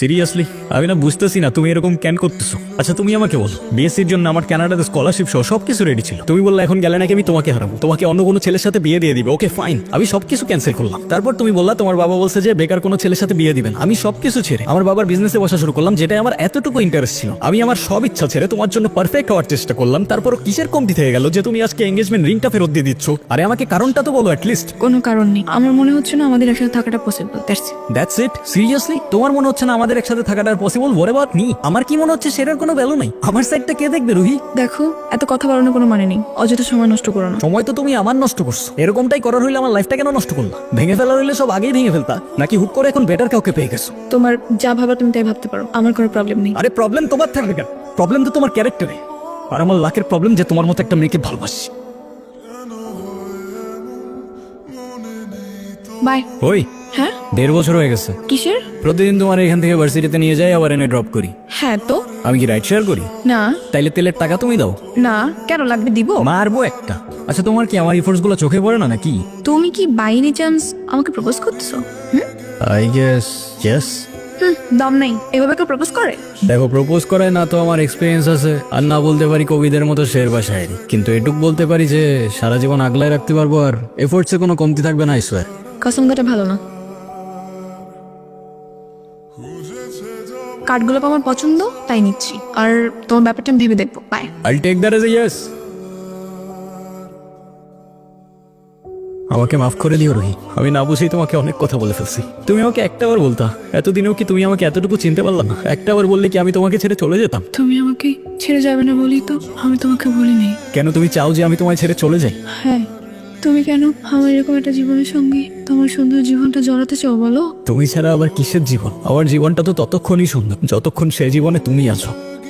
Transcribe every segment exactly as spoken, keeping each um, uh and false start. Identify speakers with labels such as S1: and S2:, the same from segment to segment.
S1: Seriously আমি না বুঝতেছি না তুমি এরকম কেন করতেছো। আচ্ছা তুমি আমাকে বলো, বিএসসির জন্য আমার কানাডাতে স্কলারশিপ সহ সবকিছু রেডি ছিল, তুমি বললে এখন গেলে নাকি আমি তোমাকে হারাবো, তোমাকে অন্য কোনো ছেলের সাথে বিয়ে দিয়ে দিবে। ওকে ফাইন, আমি সবকিছু ক্যান্সেল করলাম। তারপর তুমি বললা তোমার বাবা বলছে যে বেকার কোনো ছেলের সাথে বিয়ে দিবেন। আমি সবকিছু ছেড়ে আমার বাবার বিজনেসে বসা শুরু করলাম, যেটা আমার এতটুকু ইন্টারেস্ট ছিল। আমি আমার সব ইচ্ছা ছেড়ে তোমার জন্য পারফেক্ট হওয়ার চেষ্টা করলাম। তারপরও কিসের কমতি থেকে গেল যে তুমি আজকে এঙ্গেজমেন্ট রিংটা ফেরত দিয়ে দিচ্ছ? আরে আমাকে কারণটা তো বলো অ্যাটলিস্ট।
S2: কোনো কারণ নেই, আমার মনে হচ্ছে না আমাদের একসাথে থাকাটা possible. That's it.
S1: That's it? Seriously তোমার মনে হচ্ছে না আমাদের একসাথে থাকাটা পসিবল? ওরে বাট নি, আমার কি মনে হচ্ছে সেটার কোনো ভ্যালু নাই? আমার সাইডটা কে দেখবে রুহি?
S2: দেখো, এত কথা বাড়ানোর কোনো মানে নেই, অযথা সময় নষ্ট করো না।
S1: সময় তো তুমি আমার নষ্ট করছো। এরকমটাই করার হইলে আমার লাইফটা কেন নষ্ট করলা? ভেঙে ফেলার হইলে সব আগেই ভেঙে ফেলতা, নাকি হুট করে এখন বেটার কাউকে পেয়ে গেছো?
S2: তোমার যা ভাবা তুমি তাই ভাবতে পারো, আমার কোনো প্রবলেম নেই।
S1: আরে প্রবলেম তোমার থাকবে কেন? প্রবলেম তো তোমার ক্যারেক্টারে। আর আমার লাকের প্রবলেম যে তোমার মতো একটা মেয়েকে ভালোবাসি।
S2: বাই।
S1: ওই
S2: হ্যাঁ,
S1: দেড় বছর হয়ে গেছে
S2: কিসের?
S1: প্রতিদিন তোমার এখান থেকে ভার্সিটিতে নিয়ে যাই, আবার এনে ড্রপ করি।
S2: হ্যাঁ তো।
S1: আমি কি রাইড শেয়ার করি?
S2: না
S1: তাইলে তেলের টাকা তুমি দাও।
S2: না, কেন লাগবে? দিব।
S1: মারবো একটা। আচ্ছা তোমার কি আমার ইফোর্টস গুলো চোখে পড়ে না নাকি?
S2: তুমি কি বাই এনি চান্স আমাকে প্রপোজ করতেছো? Hmm
S1: I guess yes.
S2: হুম, দম নেই, এভাবে কেউ প্রপোজ করে?
S1: দেখো, প্রপোজ করায় না তো আমার এক্সপিরিয়েন্স আছে, আর না বলতে পারি কবিদের মতো শের বা শায়েরি, কিন্তু এটুক বলতে পারি যে সারা জীবন আগলায় রাখতে পারবো, আর এফোর্টসে কোনো কমতি থাকবে না। I swear.
S2: কসম কাটা ভালো না। কার্ডগুলো আমার পছন্দ, তাই নিচ্ছি। আর তোমার ব্যাপারটা আমি ভেবে দেখবো। Bye.
S1: I'll take that as a yes. আমাকে মাফ করে দিও রোহি, আমি না বুঝেই তোমাকে অনেক কথা বলে ফেলছি। তুমি আমাকে একটাবার বলতা, এতদিনেও কি তুমি আমাকে এতটুকু চিনতে পারলা না? একটাবার বললে কি আমি তোমাকে ছেড়ে চলে যেতাম?
S2: তুমি আমাকে ছেড়ে যাবে না বলি তো আমি তোমাকে বলিনি।
S1: কেন তুমি চাও যে আমি তোমায় ছেড়ে চলে যাই?
S2: হ্যাঁ, তুমি কেন আমার এরকম একটা জীবনের সঙ্গে তোমার সুন্দর জীবনটা জড়াতে চাও বলো?
S1: তুমি ছাড়া আবার কিসের জীবন? আমার জীবনটা তো ততক্ষণই সুন্দর যতক্ষণ সে জীবনে তুমি আছো।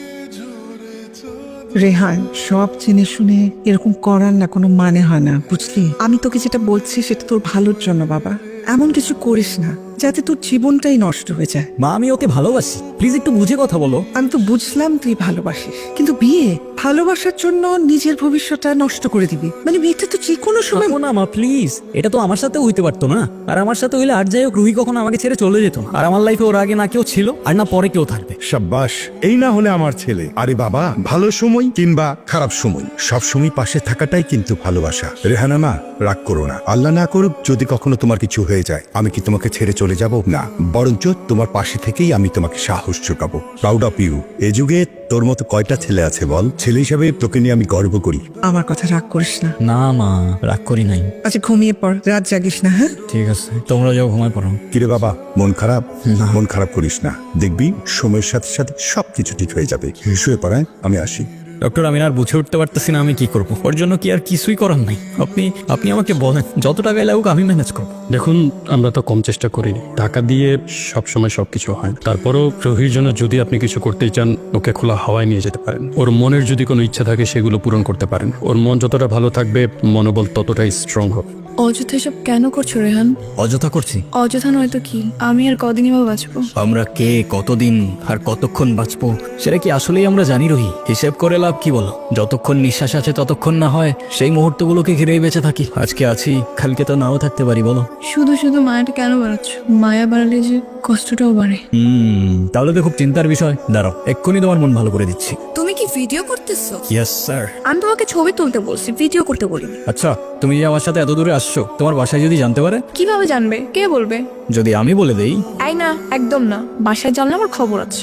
S3: রেহান, সব জেনে শুনে এরকম করার না কোনো মানে হয় না, বুঝলি? আমি তোকে যেটা বলছি সেটা তোর ভালোর জন্য বাবা। এমন কিছু করিস না যাতে তোর জীবনটাই নষ্ট হয়ে যায়।
S1: মা, আমি ওকে ভালোবাসি, প্লিজ একটু বুঝে কথা বলো।
S3: আমি তো বুঝলাম তুই ভালোবাসিস, কিন্তু বিয়ে ভালোবাসার জন্য নিজের ভবিষ্যৎটা নষ্ট করে দিবি মানে বিয়েটা তো যে কোনো সময়।
S1: থাকো না মা প্লিজ, এটা তো আমার সাথে হইতে পারতো না। আর আমার সাথে হইলে আর যাই হোক রুহি কখনো আমাকে ছেড়ে চলে যেত না। আর আমার লাইফে ওর আগে না কেউ ছিল আর না পরে কেউ থাকবে।
S4: সাব্বাস, এই না হলে আমার ছেলে। আরে বাবা, ভালো সময় কিংবা খারাপ সময় সব সময় পাশে থাকাটাই কিন্তু ভালোবাসা। রেহানা মা, রাগ করো না। আল্লাহ না করুক যদি কখনো তোমার কিছু হয়ে যায়, আমি কি তোমাকে ছেড়ে চলে যাব? না, বরঞ্চ তোমার পাশে থেকেই আমি তোমাকে সাহস যোগাবো। Proud of you. এ যুগে তোর মতো কয়টা ছেলে আছে বল? ছেলে হিসাবে তোকে নিয়ে আমি গর্ব করি।
S3: আমার কথা রাগ করিস না।
S1: না মা, রাগ করি নাই।
S3: আচ্ছা ঘুমিয়ে পড়, রাত জাগিস না। হ্যাঁ
S1: ঠিক আছে, তোমরা যাও ঘুমায় পড়ো।
S4: কিরে বাবা, মন খারাপ? মন খারাপ করিস না, দেখবি সময়ের সাথে সাথে সবকিছু ঠিক হয়ে যাবে। শুয়ে পড়ায়, আমি আসি।
S1: ডক্টর, আমি আর বুঝে উঠতে পারতেছি না আমি কি করব। ওর জন্য কি আর কিছুই করার নাই? আপনি আপনি আমাকে বলেন, যত টাকায় লাগুক আমি ম্যানেজ করবো।
S5: দেখুন, আমরা তো কম চেষ্টা করিনি, টাকা দিয়ে সবসময় সবকিছু হয়। তারপরও রোহির জন্য যদি আপনি কিছু করতেই চান, ওকে খোলা হাওয়ায় নিয়ে যেতে পারেন। ওর মনের যদি কোনো ইচ্ছা থাকে সেগুলো পূরণ করতে পারেন। ওর মন যতটা ভালো থাকবে, মনোবল ততটাই স্ট্রং হবে।
S2: অযথা এসব কেন করছো রেহান?
S1: অযথা করছি?
S2: অযথা নয়তো কি? আমি আর কদিনই বা বাঁচবো?
S1: আমরা কে, কতদিন আর কতক্ষণ বাঁচবো সেটা কি আসলেই আমরা জানি রোহি? হিসেব করে লাভ কি বলো? যতক্ষণ নিঃশ্বাস আছে ততক্ষণ না হয় সেই মুহূর্তগুলোকে ঘিরেই বেঁচে থাকি। আজকে আছি, কালকে তো নাও থাকতে পারি, বলো?
S2: শুধু শুধু মায়াটা কেন বাড়াচ্ছ? মায়া বাড়ালে যে কষ্টটাও বাড়ে।
S1: হুম তাহলে তো খুব চিন্তার বিষয়। দাঁড়াও, এক্ষুনি তোমার মন ভালো করে দিচ্ছি।
S2: তুমি কি ভিডিও করতেছো?
S1: Yes sir.
S2: আমি তোমাকে ছবি তুলতে বলছি, ভিডিও করতে বলিনি।
S1: আচ্ছা, তুমি যে আমার সাথে এত দূরে আসছো, তোমার বাসায় যদি জানতে পারে?
S2: কিভাবে জানবে? কে বলবে?
S1: যদি আমি বলে দেই?
S2: এই না, একদম না। বাসায় জানলে আমার খবর আছে।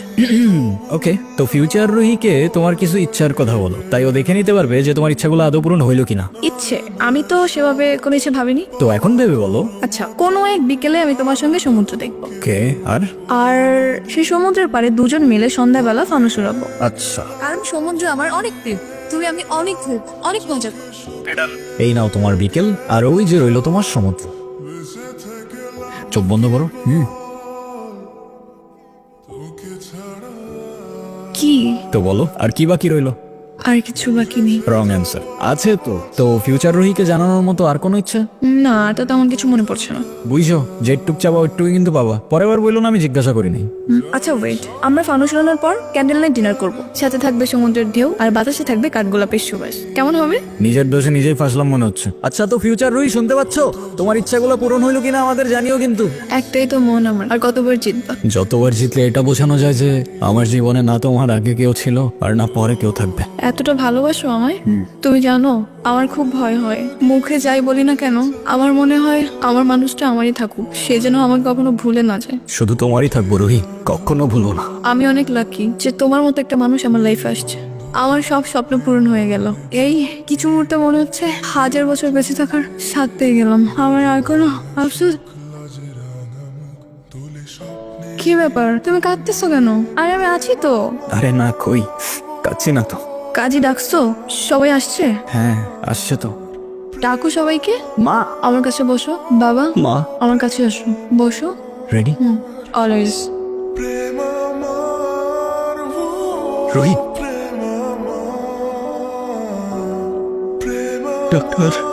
S1: ওকে, তো ফিউচার রুহিকে তোমার কিছু ইচ্ছার কথা বলো, তাই ও দেখে নিতে পারবে যে তোমার ইচ্ছাগুলো আদৌ পূরণ হইলো কিনা।
S2: ইচ্ছে? আমি তো সেভাবে কোনো ইচ্ছে ভাবিনি।
S1: তো এখন ভেবে বলো।
S2: আচ্ছা, কোনো এক বিকেলে আমি তোমার সঙ্গে সমুদ্র দেখবো।
S1: ওকে, আর?
S2: আর সেই সমুদ্রের পাড়ে দুজন মিলে সন্ধ্যাবেলা ফানুস উড়াবো।
S1: আচ্ছা,
S2: কারণ সমুদ্র আমার অনেক প্রিয়। তুমি আমি অনেক ঘুরবো, অনেক মজা করবো।
S1: এই নাও তোমার বিকেল, আর ওই যে রইলো তোমার সমুদ্র। চোখ বন্ধ করো। হুম
S2: কি?
S1: তো বলো, আর কি বাকি রইলো?
S2: আর কিছু বাকি নেই।
S1: Wrong answer. আছে তো তো ফিউচার রোহিকে জানানোর মতো আর কোনো ইচ্ছা?
S2: না, এটা তো আমার কিছু মনে পড়ছে না।
S1: বুঝছো, যেটুক চাবা ওইটুকুই কিন্তু পাবা। পরের বার বললো না আমি জিজ্ঞাসা করিনি।
S2: হুম, আচ্ছা ওয়েট, আমরা ফানুস উড়ানোর পর ক্যান্ডেল নাইট ডিনার করব। সাথে থাকবে সমুদ্রের ঢেউ আর বাতাসে থাকবে কাঠগোলাপের সুবাস। কেমন হবে?
S1: নিজের দোষে নিজেই ফাঁসলাম মনে হচ্ছে। আচ্ছা তো ফিউচার রোহি, শুনতে পাচ্ছ? তোমার ইচ্ছাগুলো পূরণ হইলো কিনা আমাদের জানিও কিন্তু।
S2: একটাই তো মন আমার, আর কতবার জিতবা?
S1: যতবার জিতলে এটা বোঝানো যায় যে আমার জীবনে না তোমার আগে কেউ ছিল আর না পরে কেউ থাকবে।
S2: এতটা ভালোবাসো আমায়? তুমি জানো আমার খুব ভয় হয়, মুখে যাই বলি না কেন আমার মনে হয় আমার মানুষটা আমারই থাকুক, সে যেন আমাকে কখনো ভুলে না যায়।
S1: শুধু তোমারই থাকবো রোহি, কখনো ভুলবো না।
S2: আমি অনেক লাকি যে তোমার মতো একটা মানুষ আমার লাইফে আসছে। আমার সব স্বপ্ন পূরণ হয়ে গেল। এই কিছু মুহূর্তে মনে হচ্ছে হাজার বছর বেঁচে থাকার স্বাদ পেয়ে গেলাম। আমার আর কোনো আফসোস। কি ব্যাপার, তুমি কাঁদতেছো কেন? আরে আমি আছি তো।
S1: আরে না, কই কাচ্ছি না তো।
S2: কাজী ডাকছো? সবাই আসছে?
S1: হ্যাঁ আসছে তো।
S2: ডাকো সবাইকে।
S1: মা,
S2: আমার কাছে বসো। বাবা,
S1: মা
S2: আমার কাছে আসো, বসো।
S1: Ready?
S2: Hmm, always.
S1: Rohi, doctor